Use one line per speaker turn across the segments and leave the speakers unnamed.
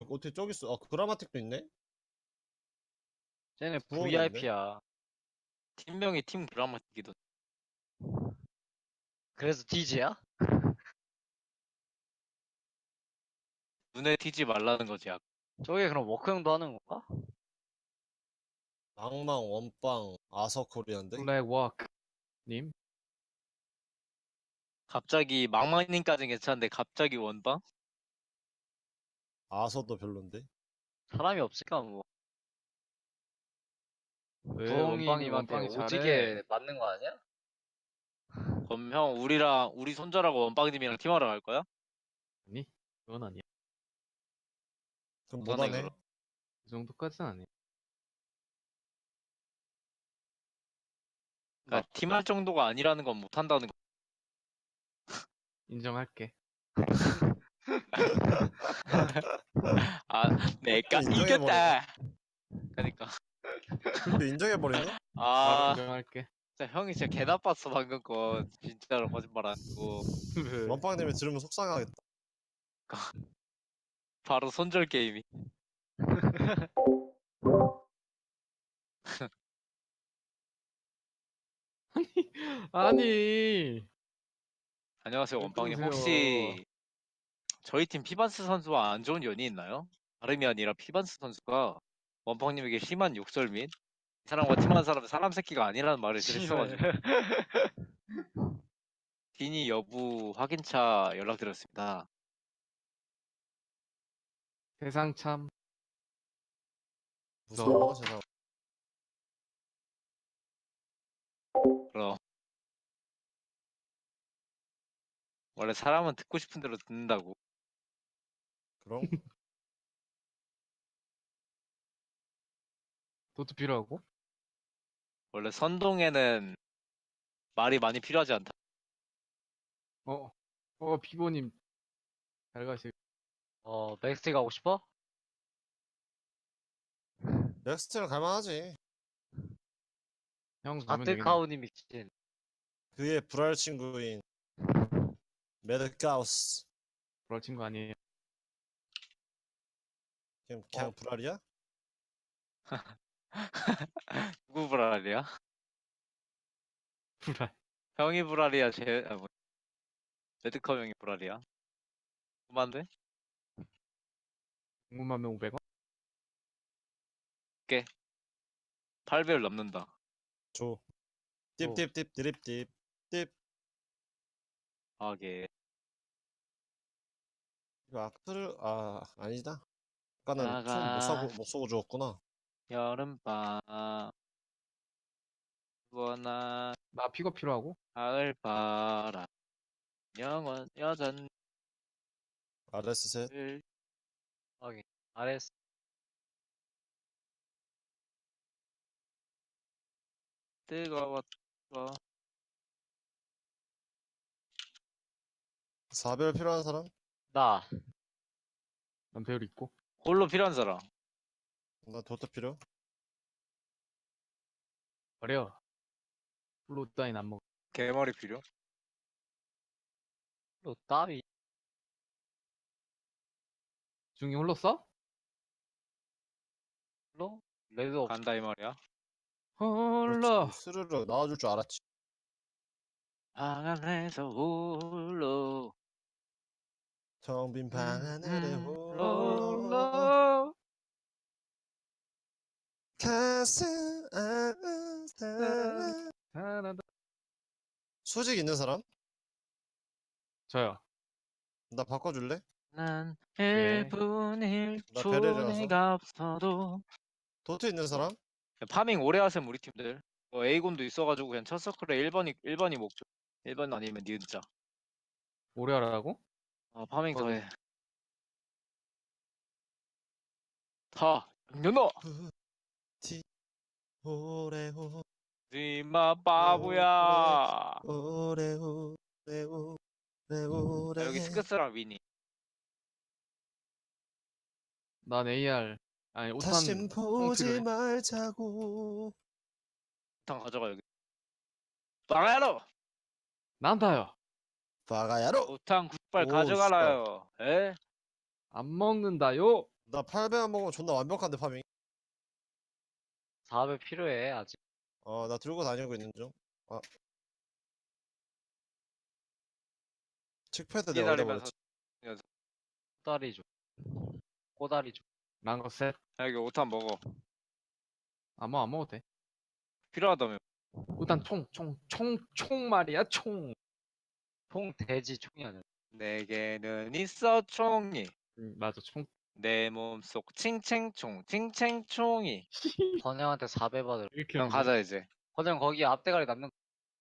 어떻게 저기 있어? 아, 그라마틱도 있네?
쟤네
부엉이 있네?
VIP야. 팀명이 팀 그라마틱이던.
그래서 DJ야?
눈에 띄지 말라는 거지.
저게 그럼 워크형도 하는 건가?
망망, 원빵, 아서코리안데?
블랙워크 님?
갑자기 망망님까지는 괜찮은데 갑자기 원방?
아서도 별론데?
사람이 없을까 뭐.
왜
부엉이님한테
원빵이
오지게 맞는 거 아니야?
그럼 형 우리 손절하고 원빵님이랑 팀하러 갈 거야?
아니? 그건 아니야.
그럼
그러네,
못하네.
그럼.
그 정도까지는 아니야.
그러니까 팀할 정도가 아니라는 건 못한다는 거.
인정할게.
아, 내가
인정해버리네.
이겼다. 그러니까
근데 인정해버리네?
바로
아,
인정할게.
진짜 형이 진짜 개 나빴어 방금 거. 진짜로 거짓말 안 하고
원빵님이 들으면 속상하겠다.
바로 손절 게임이.
아니.
안녕하세요
왜
원빵님.
그러세요?
혹시 저희 팀 피반스 선수와 안 좋은 연이 있나요? 다름이 아니라 피반스 선수가 원빵님에게 심한 욕설 및 이 사람과 팀한 사람은 사람 새끼가 아니라는 말을 들었어가지고 디니 여부 확인차 연락드렸습니다.
세상 참
무서워, 세상.
그럼 원래 사람은 듣고 싶은 대로 듣는다고.
그럼?
도트 필요하고?
원래 선동에는 말이 많이 필요하지 않다.
피보님 잘 가시.
맥스티 가고 싶어?
넥스트는 갈만하지.
형 가면 되겠네.
아트카우님이 진.
그의 불알 친구인 매드가우스.
그럴 친구 아니에요.
그냥 불알이야?
누구 불알이야?
불알.
형이 불알이야. 레드컵 형이 불알이야. 그만데?
궁금하면 500원?
8배를 넘는다.
줘. 띠띠띠 드립띠 띠.
하게.
이거 아크를 아니다. 아까는
나가.
못 쏘고 죽었구나.
여름밤 원한
나 픽업 필요하고?
가을바람 영원 여전을
RS 셋.
확인. RS.
뜨거웠어.
4별 필요한 사람?
나.
난 배율 있고.
홀로 필요한 사람.
나 도트 필요?
버려. 플로 따윈 안 먹어.
개머리 필요.
또 따위.
중이 홀로 써?
로? 레드 없.
간다 이 말이야.
홀로.
그렇지. 스르르 나와줄 줄 알았지.
방 안에서 홀로.
텅 빈 방 하늘에 홀로
홀로.
가슴 아픈 사람.
잘한다.
수직 있는 사람?
저요.
나 바꿔줄래?
난
예.
1분
나
1초
베레라서.
내가 없어도.
도트 있는 사람?
파밍 오래 하셈 우리 팀들. 에이곤도 있어가지고 그냥 첫 서클에 1번이 목표. 1번 아니면 니은자.
오래 하라고?
파밍
거기.
더해. 다 연어.
티 오레오
니마 바보야.
오레오 오레오
여기 스크스랑 위니.
난 AR. 아니,
다신
오탄
보지
필요해.
말자고.
탕 가져가 여기. 빵야로.
난다요.
바가야로.
오탕 굿발
오,
가져가라요. 에?
안 먹는다요.
나 800만 먹으면 존나 완벽한데 파밍.
400 필요해 아직.
나 들고 다니고 있는 중. 칙패드 내가 어디다
기다리면서
버렸지?
꼬다리 줘. 꼬다리 줘.
랑거 셋.
야, 여기 5탄 먹어.
아무 안 먹어도 돼.
필요하다며.
일단 총 말이야 총.
총 돼지 총이 아니야.
내게는 있어 총이.
맞아 총.
내 몸속 칭칭총이.
번영한테 400 받을.
이렇게
형 가자 이제.
번영 거기 앞대가리 남는 거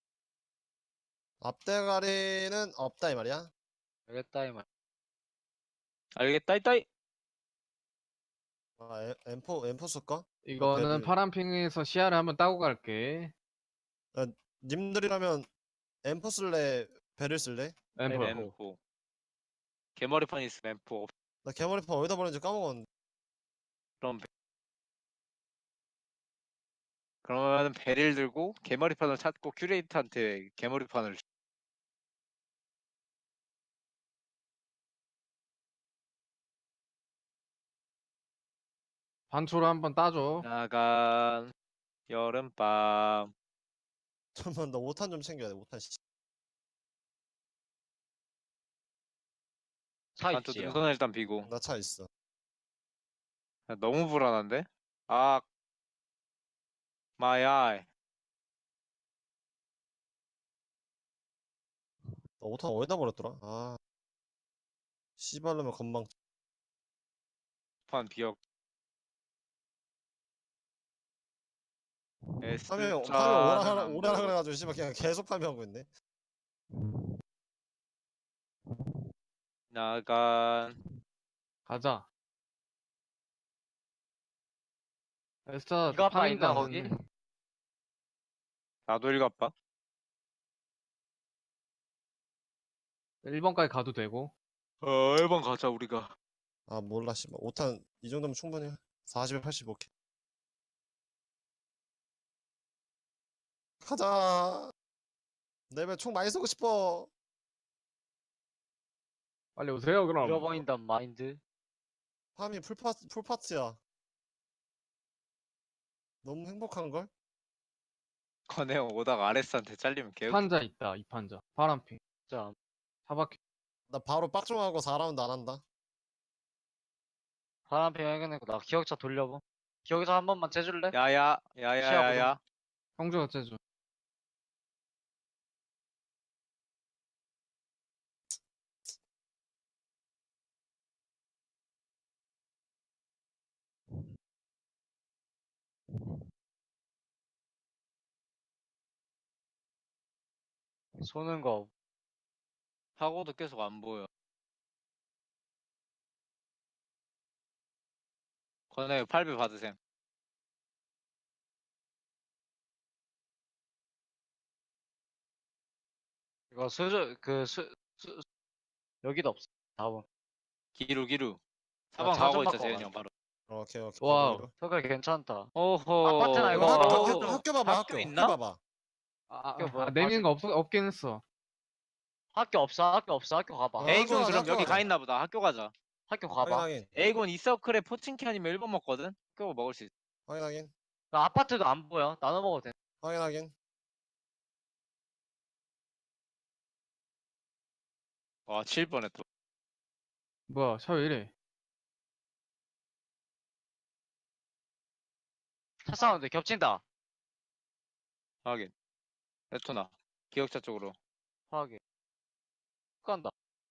앞대가리는 없다 이 말이야.
알겠다 이 말.
알겠다 이따이.
M4 쓸까?
이거는
배를-
파란핑에서 시야를 한번 따고 갈게.
님들이라면 M4 쓸래? 배를 쓸래?
엠퍼.
M4. 개머리판 있으면 M4.
나 개머리판 어디다 버렸는지 까먹었는데.
그러면 배를 들고 개머리판을 찾고 큐레이터한테 개머리판을 줘.
반초로 한번 따줘.
나간 여름밤.
잠깐만 나 5탄 좀 챙겨야 돼. 5탄 씨.
차
난또
있지.
능선을 일단 비고.
나 차 있어.
야, 너무 불안한데? 아, 마야.
나 5탄 어디다 버렸더라? 씨발로면 건방.
판 비역.
파밍
S자는
오라라 그래가지고 씨발 그냥 계속 파밍하고 있네.
나간
가자. 에스타
이거 아빠
파밍도
있나,
안
거기?
했네.
나도 일갑바.
1번까지 가도 되고.
1번 가자 우리가.
몰라 씨발 5탄 이 정도면 충분해. 40에 85K. 가자. 내배 총 많이 쏘고 싶어.
빨리 오세요 그럼.
잃어버린단 마인드.
파밍 풀파츠야. 너무 행복한걸?
건혜형 오다가 아레스한테 잘리면 개웃.
판자 있다. 이 판자. 파란핑.
진짜
사바퀴.
나 바로 빡종하고 4라운드 안 한다.
바람피 해결내고 나 기억차 돌려봐. 기억차 한 번만 재줄래?
야야
시야보다.
야야야야.
형주가 째줘.
쏘는 거.
하고도 계속 안 보여. 건혜 8배 받으셈.
이거 여기도 없어. 답은.
기루.
나
4번
차
가고
좀
있자
바꿔
재현이
가자.
형 바로.
오케이.
와우.
석을 괜찮다.
오호.
아파트나 이거
이거
어,
학교 봐봐.
학교
학교
있나?
봐봐.
학교 뭐야,
내미는 거 없긴 했어.
학교 없어. 학교 가봐.
에이,
A군 그럼
학교
여기
가자.
가 있나 보다. 학교 가자.
학교 가봐.
확인.
A군 이서클에 포칭키 아니면 1번 먹거든. 그거 먹을 수 있어.
확인.
나 아파트도 안 보여. 나눠 먹어도 돼.
확인.
와 7번에 또.
뭐야 차 왜 이래?
차 사운드 겹친다.
확인. 레토나. 기억차 쪽으로.
확인. 간다.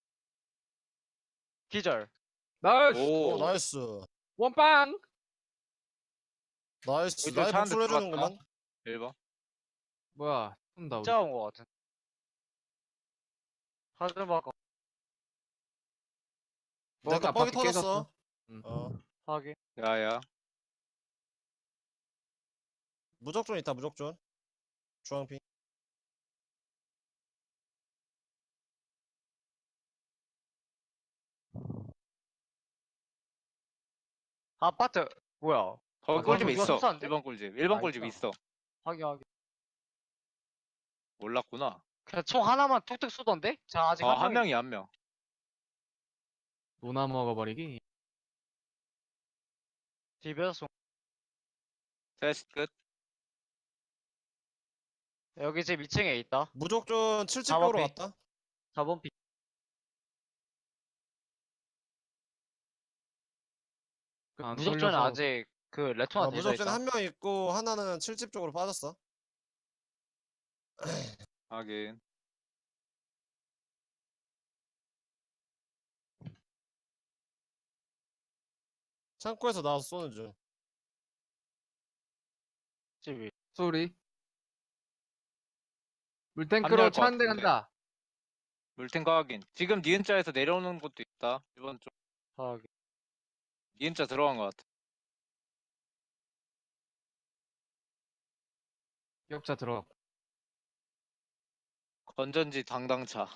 기절.
나이스.
오.
나이스.
원빵.
나이스.
이쪽
나의
차 한대
복수를
들어갔다.
해주는구만.
1번.
뭐야 쏜다 우리.
진짜 온거 같은. 하드 바꿔.
내가
바퀴
뻑이 터졌어.
응.
확인.
야야.
무적존 있다. 무적존. 주황핑.
아파트. 뭐야?
거기
아,
꿀집
이거
있어.
숙소인데?
1번 꿀집. 1번
아,
꿀집
있다.
있어.
확인.
몰랐구나.
그냥 총 하나만 툭툭 쏘던데? 자, 아직
한
한 명이.
명이 한 명.
노나 먹어버리기.
비벼서
테스트 끝.
여기 지금 2층에 있다.
무적존 70
4번
벽으로
핑.
갔다.
4번 픽.
안
무적존은
돌려서
아직 그 레토나 되어
무적존
있다.
한 명 있고 하나는 70 쪽으로 빠졌어.
하긴.
창고에서 나와서 쏘는 중.
집이.
소리.
합류할
물탱크로
것
차 한 대
같은데.
간다.
물탱크 확인. 지금 니은자에서 내려오는 곳도 있다. 이번 쪽.
아,
니은자 들어간 것 같아.
기억자 들어갔고.
건전지 당당차.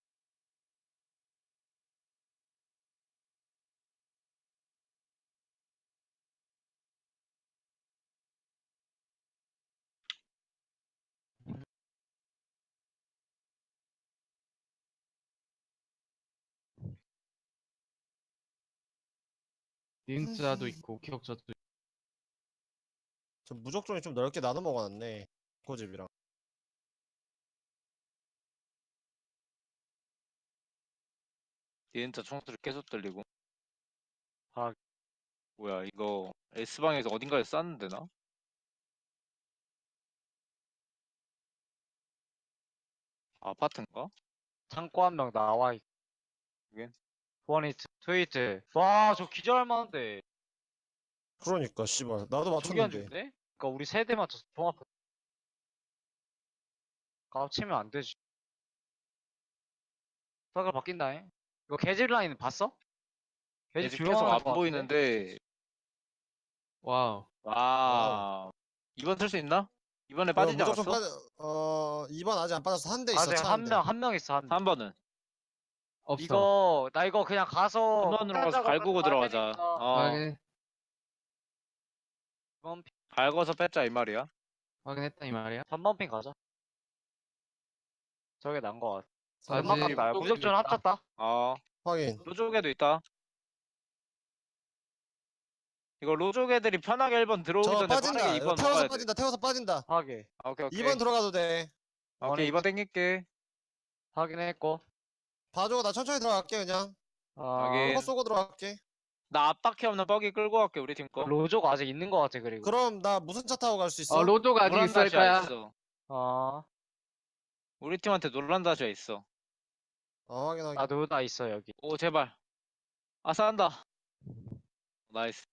니은자도 있고 기억자도 있고.
저 무적존이 좀 넓게 나눠 먹어놨네. 고집이랑.
니은자 총소리 계속 들리고.
아.
뭐야 이거 S방에서 어딘가에 쌌는데 나? 아파트인가?
창고 한 명 나와 있고.
이게?
원히트, 트위트. 와, 저 기절할 만한데.
그러니까 씨발 나도
저기 안
맞췄는데.
죽네? 그니까 우리 세대 맞춰서 종합. 깝치면 안 되지. 사가 바뀐다잉. 이거 개집 라인 봤어? 개집
계속 계속
조용한
안
것 같은데?
보이는데.
와우.
와. 이번 틀 수 있나? 이번에
이거
빠지지
무적존
않았어?
2번 아직 안 빠졌어. 한 대 있어.
아직
차
한
한 대.
명, 한 명 있어, 한 명.
3번은
없어.
나 이거 그냥 가서
3번으로 가서
작업을
갈구고
봐야
들어가자.
되니까.
확인.
이번 핑,
갈궈서 뺐자 이 말이야.
확인했다 이 말이야.
3번 핑 가자. 저게 난 거 같아.
아직
연막 간다.
무적존이
무적전
있다.
합쳤다.
확인.
로족 애도 있다. 이거 로족 애들이 편하게 1번 들어오기
저
전에
빠진다.
빠르게
이거
2번
태워서
먹어야 돼.
빠진다. 태워서 빠진다.
하게.
오케이 오케이.
2번 들어가도 돼.
오케이 2번 땡길게.
확인했고.
봐줘. 나 천천히 들어갈게 그냥.
확인.
쏘고 쏘고 들어갈게.
나 앞바퀴 없는 버기 끌고 갈게 우리 팀 거.
로족 아직 있는 거 같아, 그리고.
그럼 나 무슨 차 타고 갈 수 있어?
로족 아직
노란
있을
다시아
거야.
있어.
아,
우리 팀한테 노란 다시아 있어.
확인 확인.
나도 나 있어, 여기.
오 제발. 아 싸운다. 나이스.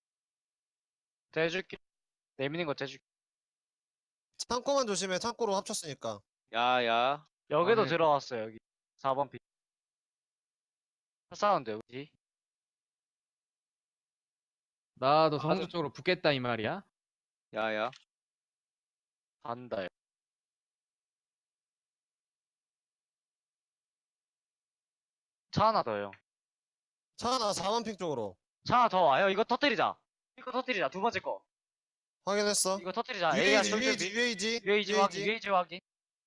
대줄게. 내미는 거 대줄게.
창고만 조심해. 창고로 합쳤으니까.
야야.
여기도
네.
들어왔어, 여기. 4번 핑. 사운드, 여기.
나도
아,
성주
좀-
쪽으로 붙겠다 이 말이야.
야야.
간다, 여기. 차 하나 더요.
차 하나 4번 핑 쪽으로.
차 하나 더 와요. 이거 터뜨리자. 이거 터뜨리자. 두 번째 거.
확인했어.
이거 터뜨리자. A야,
UAG UAG UAG
UAG 확인, UAG 확인.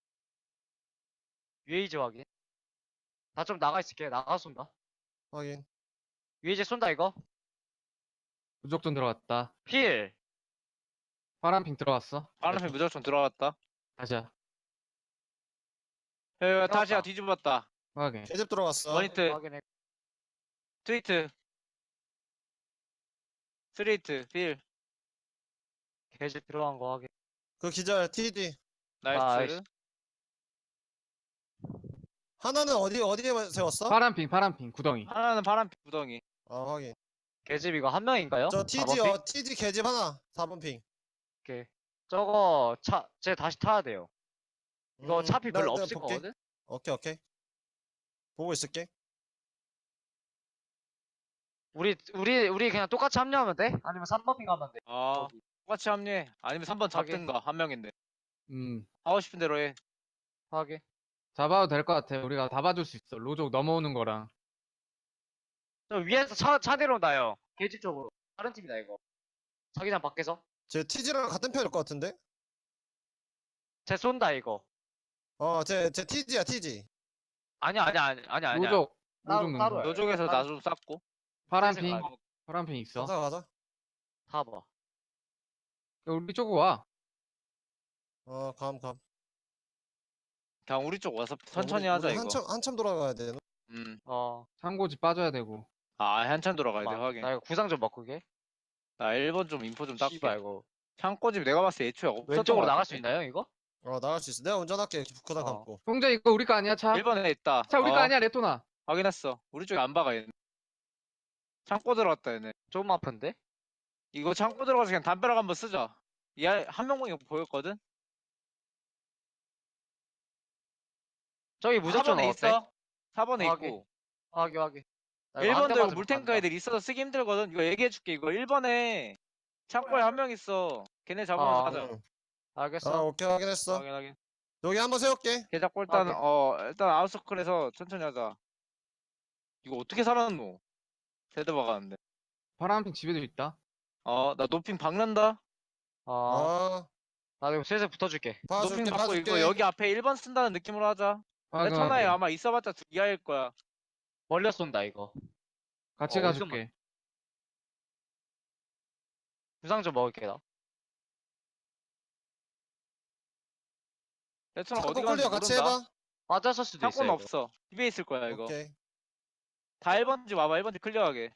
UAG 확인. 나 좀 나가 있을게. 나가 쏜다.
확인.
UAG 쏜다, 이거.
무적존 들어갔다.
필.
파란핑 들어갔어.
파란색 무조건 들어갔다.
다시야.
야야 다시야
들어갔다.
뒤집었다.
확인.
개집 들어갔어.
원히트.
확인해.
트위트. 스트레이트. 필.
개집 들어간 거 확인.
그 기절 TD.
나이스.
나이스.
하나는 어디에 세웠어?
파란핑 구덩이.
하나는 파란 구덩이.
확인.
개집 이거 한 명인가요?
저
4번
TD
핑?
TD 개집 하나. 4번 핑.
오케이. 저거 쟤 다시 타야 돼요. 이거 차피 별로
내가
없을
볼게.
거거든?
오케이. 보고 있을게.
우리 그냥 똑같이 합류하면 돼? 아니면 3번 핑 가면 돼?
아 똑같이 합류해. 아니면 3번
하긴.
잡든가 한 명인데.
음.
하고 싶은 대로 해.
하게.
잡아도 될 것 같아. 우리가 다 봐줄 수 있어. 로족 넘어오는 거랑.
저 위에서 차 내려온다요. 개집 쪽으로. 다른 팀이다 이거. 자기장 밖에서.
제 TD랑 같은 편일 것 같은데?
쟤 쏜다 이거.
제 TD야 TD.
아니야.
로족
따로,
로족
따로야.
능선.
요쪽에서 나 좀 쌌고.
파란핑
아,
파란핑 있어.
가자.
타봐.
우리 쪽으로 와.
감.
그냥 우리 쪽 와서 천천히
우리
하자 이거.
한참 돌아가야 돼.
어.
창고지 빠져야 되고.
한참 돌아가야 돼
잠깐만,
확인.
나 이거 구상 좀 바꾸게.
나 1번 좀 인포 좀
씨발
닦게.
이거.
창고집 내가 봤을 때 애초에 없었던
왼쪽으로
거
나갈 수
같은데?
있나요 이거?
나갈 수 있어. 내가 운전할게. 구상
어.
감고.
형제 이거 우리 거 아니야 차?
1번에 있다.
차 우리 거 아니야 레토나.
확인했어. 우리 쪽에 안 박아 얘네. 창고 들어갔다 얘네.
조금 아픈데?
이거 창고 들어가서 그냥 담벼락 한번 쓰자. 얘한 명이 보였거든?
저기 무작정
4번에
어때?
있어. 4번에
확인.
있고.
확인. 나 이거 한
1번도
대만
이거
좀
물탱크
간다.
애들 있어서 쓰기 힘들거든. 이거 얘기해줄게. 이거 1번에 창고에 한 명 있어. 걔네 잡으면서 하자.
응.
알겠어.
오케이 확인했어.
확인.
여기 한번 세울게.
걔 잡고 일단
확인.
일단 아웃서클에서 천천히 하자. 이거 어떻게 살았노? 세대 박았는데.
파란핑 집에도 있다.
나 노핑 박는다.
어. 나 이거 슬슬 붙어줄게.
노핑
봐줄게.
받고 이거 여기 앞에 1번 쓴다는 느낌으로 하자.
확인,
레터나에
확인.
아마 있어봤자 두 이하일 거야.
멀려 쏜다 이거.
같이
어,
가줄게.
구상 좀 먹을게 나.
레터나
창고
어디 가는지
클리어 같이
모른다.
해봐.
맞았을 수도 있어.
창고는
이거.
없어. 집에 있을 거야 이거.
오케이.
다 1번지 와봐. 1번지 클리어하게.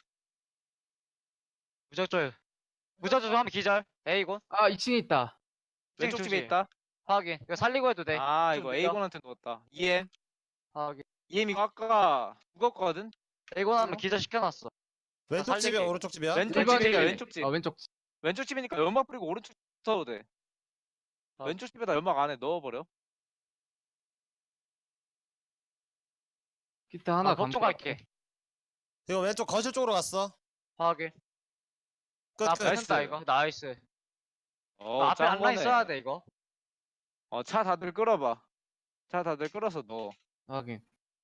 무작정 하면 기절. A군.
아 2층에 있다.
왼쪽 집에
중지.
있다.
확인. 이거 살리고 해도 돼. 좀
이거
느려.
A군한테 누웠다. EM.
확인.
EM 이거 아까 죽었거든?
A군 하면 기절 시켜놨어.
왼쪽
살릴게,
집이야
이거.
오른쪽 집이야?
왼쪽
1번이
집이야 왼쪽 집.
왼쪽 집.
왼쪽 집이니까 연막 뿌리고 오른쪽 써도 돼. 왼쪽 집에다 연막 안에 넣어버려.
기타 하나
법정
감고
갈게.
이거 왼쪽 거실 쪽으로 갔어.
확인.
끝.
나
끝.
뺏는다 이거. 나이스. 나 앞에
짱
한라인
거네.
써야 돼 이거.
차 다들 끌어봐. 차 다들 끌어서 넣어.
확인.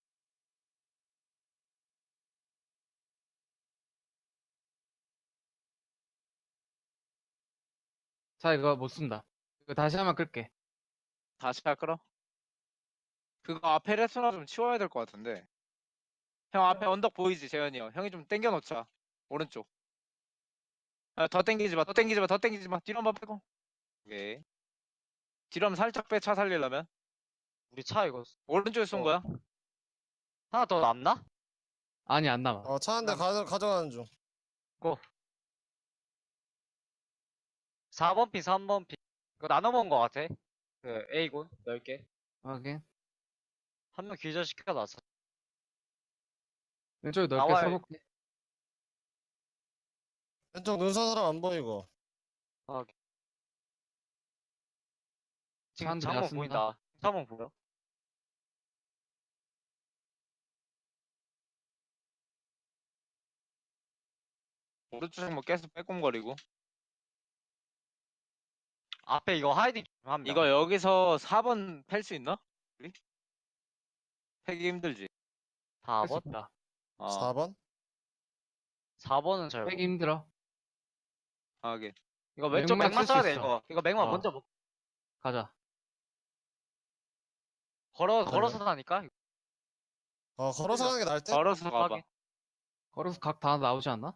자 이거 못 쓴다. 이거 다시 한번 끌게.
다시 차 끌어. 그거 앞에 레스토랑 좀 치워야 될 것 같은데. 형 앞에 언덕 보이지 재현이 형. 형이 좀 당겨 놓자. 오른쪽. 더 당기지 마. 더 당기지 마. 더 당기지 마. 뒤로 한번 빼고. 오케이. 뒤로 한번 살짝 빼. 차 살리려면.
우리 차 이거
오른쪽에 쏜 거야.
하나 더 남나?
아니 안 남아.
차 한 대 가져가는 중.
4번 핀, 3번 핀. 이거 나눠 먹은 거 같아. 그 A군 10개.
확인.
한 명 기절 시켜놨어.
왼쪽에 넓게
나와요.
써볼게.
왼쪽 눈선 사람 안 보이고.
지금
사람들이
창문
왔습니다.
보인다. 창문 보여?
오른쪽 뭐 계속 빼꼼거리고.
앞에 이거 하이딩 좀 한 명.
이거 여기서 4번 팰 수 있나? 우리? 패기 힘들지.
4번?
다
4번?
4번은 잘.
빼기 힘들어.
하게.
이거 왼쪽
맥만
맥만
쓸수
써야 돼
있어.
이거. 이거 맥만
어.
먼저 먹.
가자.
걸어서 다니까.
걸어서 가는 게 나을 듯?
걸어서 가봐.
확인.
걸어서 각 다 나오지 않나?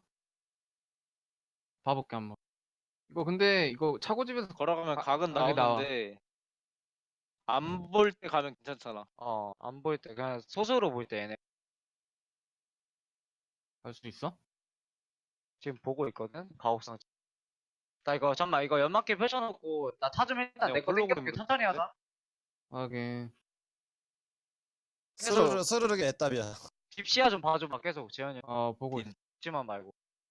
봐볼게 한번. 이거 근데 이거 차고집에서
걸어가면 각은
각이 나와.
나오는데 안 볼 때 가면 괜찮잖아.
안 보일 때 그냥 소수로 보일 때 얘네
갈 수 있어?
지금 보고 있거든. 가옥상. 나 이거 잠만 이거 연막길 펼쳐놓고 나 차 좀 일단
그냥
내거
홀로
땡겨볼게.
보이면
천천히 하자.
확인.
스르르게 애답이야.
집 시야 좀 봐줘봐 계속 재현이.
보고 있어.
집만 말고.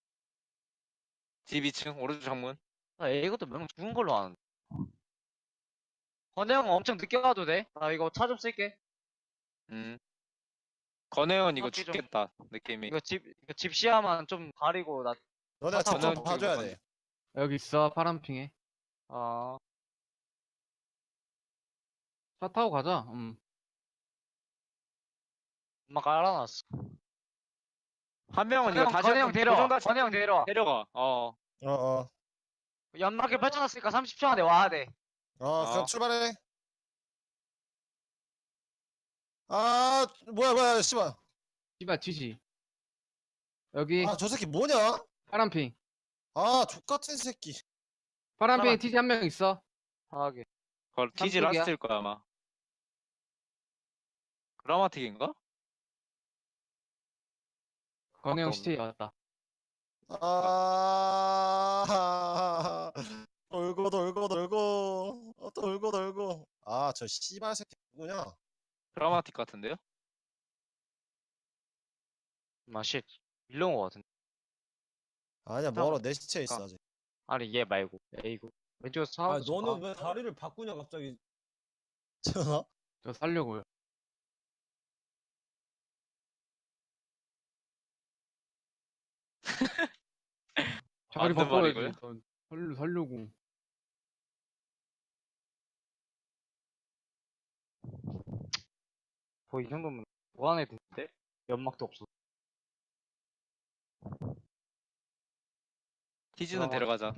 집 2층 오른쪽 창문.
나 이것도 몇 명 죽은 걸로 아는데. 건혜 형 엄청 늦게 가도 돼? 나 이거 차 좀 쓸게.
건혜원 이거
바퀴 좀-
죽겠다 느낌이.
이거 집 시야만 좀 가리고 나.
너네가
차
직접
타고
봐줘야
가는
돼.
여기 있어 파란핑에. 차 타고 가자.
엄마 깔아놨어.
한 명은 이거 다시
건혜 형
한번
데려와.
고정다시
건혜 형 데려와.
데려가.
연막길 펼쳐놨으니까 30초 안에 와야 돼.
그럼 출발해. 뭐야, 씨발.
씨발 튀지. 여기
저 새끼 뭐냐?
파란핑.
아, 족같은 새끼.
파란핑에 TG 한 명 있어.
하게.
그걸 TG
삼뚝이야?
라스트일 거야 아마. 그라마틱인가?
건우 형
없네.
시체 왔다.
아, 돌고 돌고 돌고 돌고 돌고. 아, 저 씨발 새끼 누구냐?
그라마틱 같은데요?
맛이 밀려온 거 같은데.
아니야, 멀어. 내 시체 있어 아직.
아니 얘 말고. 에이구. 왼쪽에서 차.
아, 너는 왜 다리를 바꾸냐 갑자기? 전화?
저 살려고요. 자리
맞는
바꿔야지.
말이고요.
전 살려고.
거의 이 정도면 무한해 됐는데? 연막도 없어.
TG는
그라마틱.
데려가자.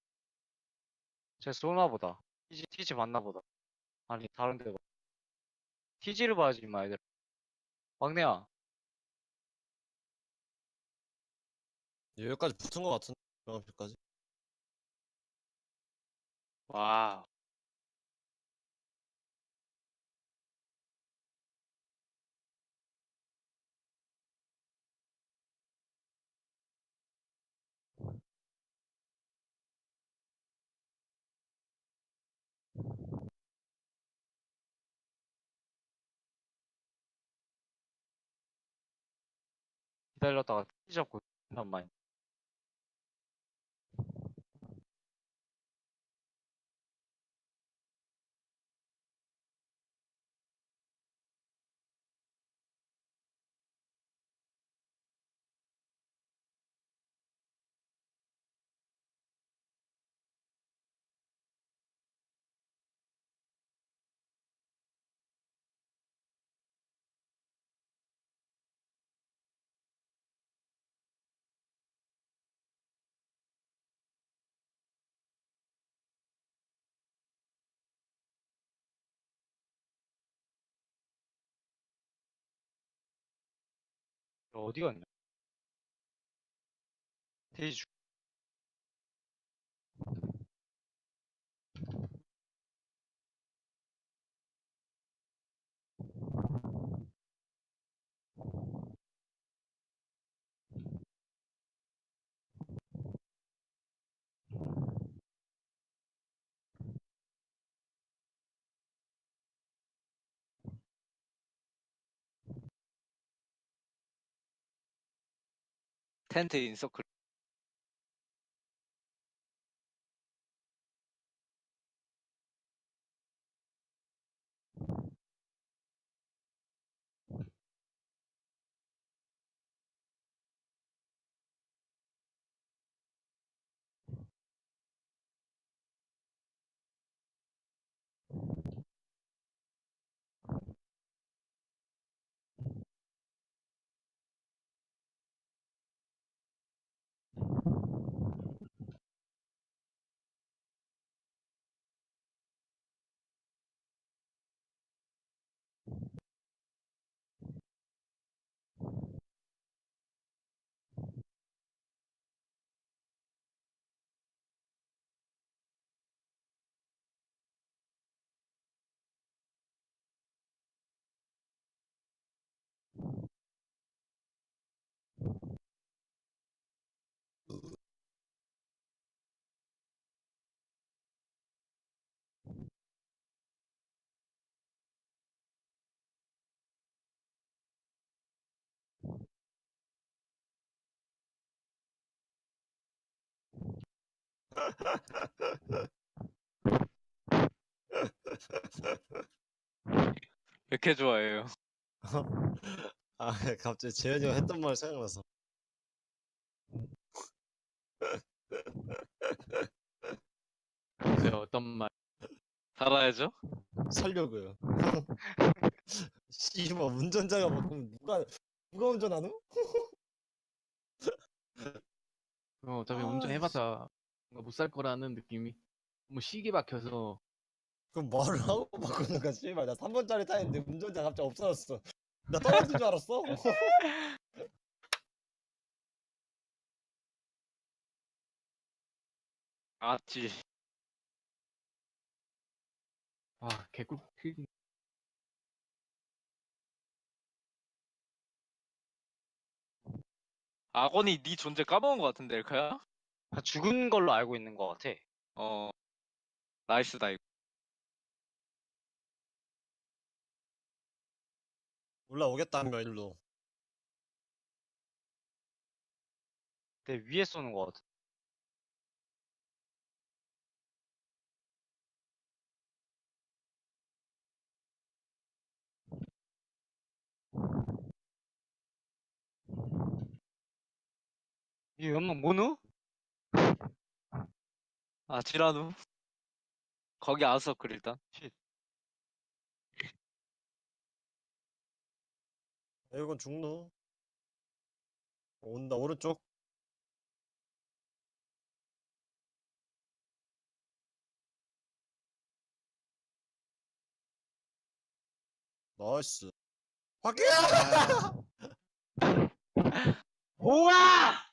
쟤 쏘나 보다. TG 맞나 보다. 아니 다른 데가. TG를 봐야지 임마 애들. 막내야.
여기까지 붙은 거 같은데. 명함표까지.
와.
기다렸다가 TG 잡고 한 마리. 어디 갔냐? TG 주.
텐트 인서클. 왜 이렇게 좋아해요?
아, 갑자기 재현이가 했던 말 생각나서.
네, 어떤 말?
살아야죠?
살려고요. 씨발 운전자가 바꾸면 누가 운전하노?
어차피
아,
운전해봤자 못 살 거라는 느낌이. 뭐 시계 박혀서
그럼 말을 하고 바꾸는 거야, 씨발. 나 3번짜리 타는데 운전자 갑자기 없어졌어. 나 떨어진 줄 알았어.
맞지.
아 개꿀 필.
악원이 네 존재 까먹은 것 같은데 엘카야?
다 죽은 걸로 알고 있는 것 같아.
어 나이스다 이거.
올라오겠다며 일로.
근데 위에 쏘는 것 같아. 이 연막 뭐누?
아 지라누. 거기 아웃서클 일단.
쉿.
이건 죽노. 온다 오른쪽. 나이스. 확인.
우와!